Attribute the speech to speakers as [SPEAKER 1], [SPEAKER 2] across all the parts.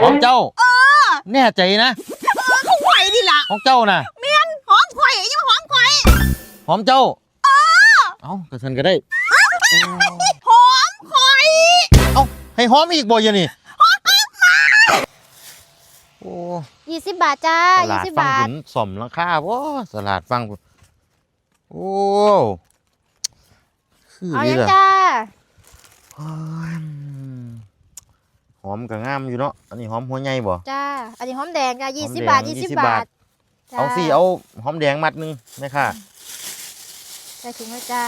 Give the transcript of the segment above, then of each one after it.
[SPEAKER 1] ของเจ้าแน่ใจนะ
[SPEAKER 2] ของข่อยดิล่ะ
[SPEAKER 1] ของเจ้าน่ะ
[SPEAKER 2] เมียนหอมข่อยยังหอมข่อย
[SPEAKER 1] หอมเจ้าเอ้ากระสันก็ได้
[SPEAKER 2] หอมข่อย
[SPEAKER 1] เอ้าให้หอมอีกบ่ยังนี่โอ้
[SPEAKER 3] 20 บาทจ้า20 บาท
[SPEAKER 1] สมราคาบ่ตลาดฟังโอ้คือ
[SPEAKER 3] เอา
[SPEAKER 1] นี่ล่ะ
[SPEAKER 3] จ้า
[SPEAKER 1] หอมก็งามอยู่เนาะอันนี้หอมหัวใหญ่บ่
[SPEAKER 3] จ้าอันนี้หอมแดงจ้า20 บาท20 บาท
[SPEAKER 1] เอาสิเอาหอมแดงมัดนึงแม่ค่ะ
[SPEAKER 3] ใส่ถุงแล้วจ้า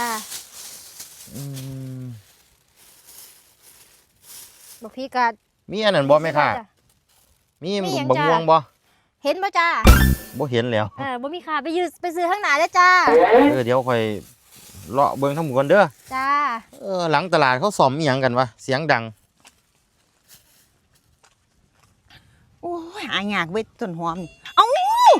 [SPEAKER 3] บอกพี่กัด
[SPEAKER 1] มีอันนั้นบ่แม่ค่ะมีบักม่วงบ่
[SPEAKER 3] เห็นบ่จ้า
[SPEAKER 1] บ่เห็นแล้ว
[SPEAKER 3] บ่มีค่ะไปซื้อข้างหน้าได้จ้า
[SPEAKER 1] เดี๋ยวค่อยเลาะเบิ่งทั้งหมดก่อนเด้อ
[SPEAKER 3] จ้า
[SPEAKER 1] หลังตลาดเขาซ่อมอีหยังกันวะเสียงดัง
[SPEAKER 2] โอ้ยหายากเว้ยต้นหอมเอ้า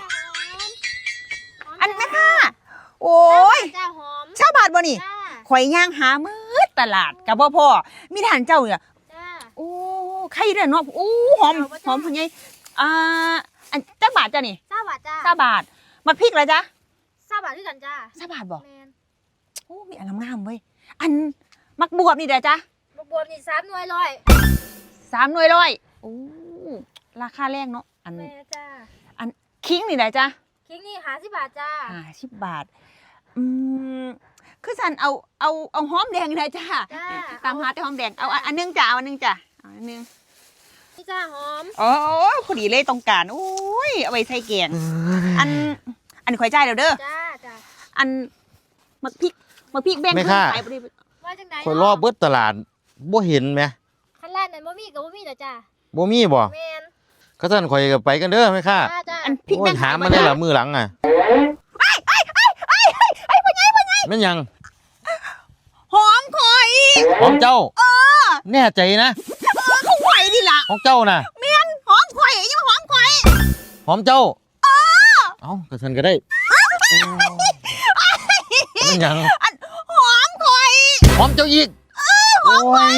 [SPEAKER 2] อันแม่ค่ะโอ้ย
[SPEAKER 3] จ้าหอม
[SPEAKER 2] ชาวบ้านบ่นี่ข่อยย่างหามื้อตลาดกับพ่อมีทานเจ้าเนี่ยโอ้ใครเด้อเนาะโอ้หอมพ่อใหญ่อันจักบาทจ้ะนี่
[SPEAKER 3] 20 บาทจ้า
[SPEAKER 2] 20 บาทมักพริกเหรอจ๊ะ
[SPEAKER 3] 20 บาทด้วยกันจ้า
[SPEAKER 2] 20 บาทบ่โอ้มีอันงามๆเว้ยอันมักบวบนี่เด้อจ๊ะ
[SPEAKER 3] มักบวบนี่3 หน่วยร้อย
[SPEAKER 2] 3 หน่วยร้อยโอ้ราคาแรงเนาะอันคิงนี่เด้อจ๊ะ
[SPEAKER 3] คิงนี่50 บาทจ้า
[SPEAKER 2] 50 บาทคือสันเอาหอมแดงเลยจ้าตามหาแต่หอมแดงเอาอันนึงจ้าเอาอันนึงจ้าเอาอันนึง
[SPEAKER 3] นี่จ้าหอม
[SPEAKER 2] อ๋อพอดีเลยต้องการโอ้ยเอาไว้ใส่แกงอันข่อยใจเด้อ
[SPEAKER 3] จ้า
[SPEAKER 2] อันมักพริกแบ่ง
[SPEAKER 1] ไม่ค่ะ
[SPEAKER 3] ว่าจังได๋
[SPEAKER 1] ข่อยรอเบิดตลาดบ่เห็นแหม
[SPEAKER 3] คันร้านนั้นบ่มีก็บ่มีจ้า
[SPEAKER 1] บ่มีบ่
[SPEAKER 3] แม่น
[SPEAKER 1] ก็ท่านข่อยก็ไปกันเด้อแม่ค่ะ
[SPEAKER 2] อันพริกแบ่ง
[SPEAKER 1] หามาได้ล่ะมื้อหลังอ่ะ
[SPEAKER 2] พ่อใหญ่
[SPEAKER 1] แม่นยัง
[SPEAKER 2] หอมข่อย
[SPEAKER 1] หอมเจ้าแน่ใจนะ
[SPEAKER 2] ของข่อยดิล่ะ
[SPEAKER 1] ของเจ้าน่ะ
[SPEAKER 2] เมียนหอมข่อยยังหอมข่อย
[SPEAKER 1] หอมเจ้าเอ้ากระสันก็ได้แม่นยัง
[SPEAKER 2] หอมข่อย
[SPEAKER 1] หอมเจ้าอีกโอ้ย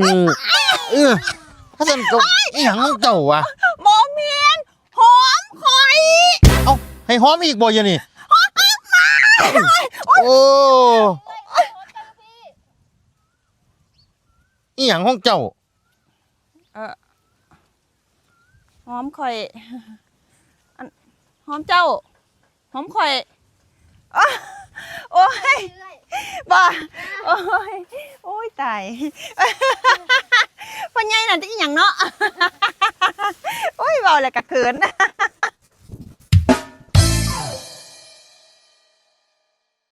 [SPEAKER 1] กระสันก็อีหยังของเจ้าวะ
[SPEAKER 2] บ่เมียนหอมข่อย
[SPEAKER 1] เอ้าให้หอมอีกบ่ยังนี่โอ้อีหยังของเจ้า
[SPEAKER 2] หอมข่อยหอมเจ้าหอมข่อยโอ้ยบ้าโอ้ยตายพ่อใหญ่น่ะจะอีหยังเนาะโอ้ยเบาเลยกะเขิน